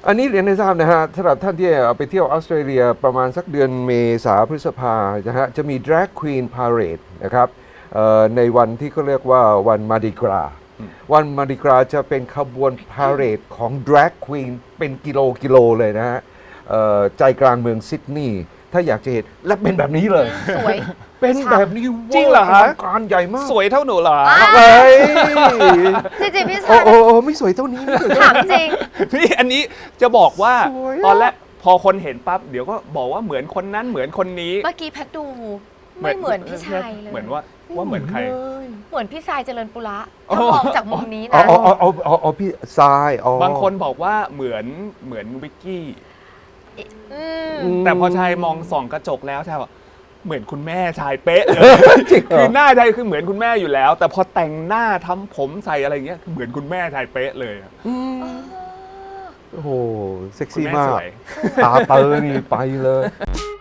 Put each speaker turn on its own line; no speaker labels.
อันนี้เรียนให้ทราบนะฮะสำหรับท่านที่ไปเที่ยวออสเตรเลียประมาณสักเดือนเมษาพฤษภานะฮะจะมี Drag Queen Parade นะครับในวันที่เขาเรียกว่าวันมาดิกราวันมาดิกราจะเป็นขบวนพาเหรดของ Drag Queen เป็นกิโลเลยนะฮะใจกลางเมืองซิดนีย์ถ้าอยากจะเห็นและเป็นแบบนี้เลย
สวย
เป็นแบบนี้
จริงเหรอฮะ
การใหญ่มาก
สวยเท่าหนูเหรอ
เฮ้ย
จริงๆพี่
โอ้
ชาย
โอ้โอ้ไม่สวยเท่านี้ไม่สวยเท่า
ถาม
นี้
จริง
นี่อันนี้จะบอกว่า
สวยอะ
ตอนแรกพอคนเห็นปั๊บเดี๋ยวก็บอกว่าเหมือนคนนั้นเหมือนคนนี้
เมื่อกี้แพทดูไม่เหมือนพี่ชายเลย
เหมือนว่าเหมือนใคร
เหมือนพี่ชายเจริญปุระ
อ๋อ
ถ้ามองจากมุมนี้
อ๋อ
นะ
อ๋อพี่ทรายอ๋อบ
างคนบอกว่าเหมือนวิกกี้
อืม
แต่พอชายมองส่องกระจกแล้วชายบอกเหมือนคุณแม่ชายเป๊ะเลย
จริงเหร
คือหน้าชายคือเหมือนคุณแม่อยู่แล้ว แต่พอแต่งหน้าทำผมใส่อะไรเงี้ยคือเหมือนคุณแม่ชายเป๊ะเลยอะ
โอ้โหเซ็ก
คุณ
ซี่
แม่
มา
ส
ก
วย
ตาเตอนี่ไปเลย